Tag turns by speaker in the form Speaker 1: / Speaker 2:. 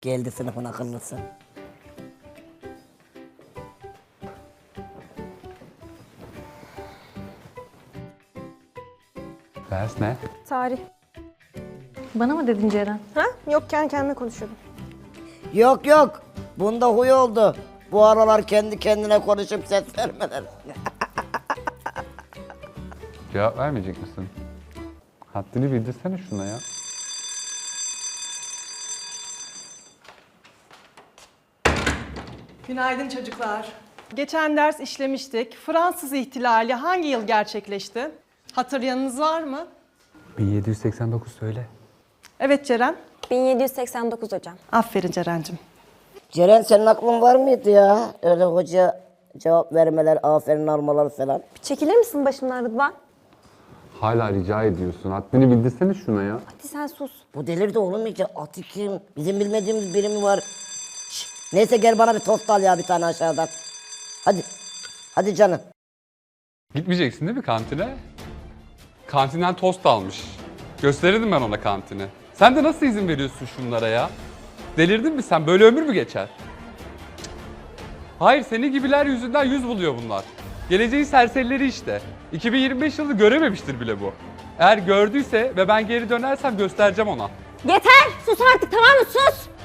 Speaker 1: Geldi sınıfın akıllısı.
Speaker 2: Ders ne?
Speaker 3: Tarih.
Speaker 4: Bana mı dedin Ceren?
Speaker 3: Ha? Yok, kendi kendime konuşuyordum.
Speaker 1: Yok yok. Bunda huy oldu. Bu aralar kendi kendine konuşup ses vermeler.
Speaker 2: Cevap vermeyecek misin? Haddini bildirsene şuna ya.
Speaker 5: Günaydın çocuklar. Geçen ders işlemiştik. Fransız ihtilali hangi yıl gerçekleşti? Hatırlayanınız var mı?
Speaker 2: 1789 söyle.
Speaker 5: Evet Ceren.
Speaker 3: 1789 hocam.
Speaker 5: Aferin Ceren'cim.
Speaker 1: Ceren senin aklın var mıydı ya? Öyle hoca cevap vermeler, aferin almalar falan.
Speaker 3: Bir çekilir misin başımdan Rıdvan?
Speaker 2: Hala rica ediyorsun. Haddini bildirsene şuna ya.
Speaker 3: Hadi sen sus.
Speaker 1: Bu delirdi oğlum iyice. Atı kim? Bizim bilmediğimiz biri mi var? Şş, neyse gel bana bir tost al ya bir tane aşağıdan. Hadi. Hadi canım.
Speaker 2: Gitmeyeceksin değil mi kantine? Kantinden tost almış. Gösterirdim ben ona kantini. Sen de nasıl izin veriyorsun şunlara ya? Delirdin mi sen? Böyle ömür mü geçer? Hayır, senin gibiler yüzünden yüz buluyor bunlar. Geleceğin serserileri işte. 2025 yılı görememiştir bile bu. Eğer gördüyse ve ben geri dönersem göstereceğim ona.
Speaker 3: Yeter! Sus artık, tamam mı? Sus!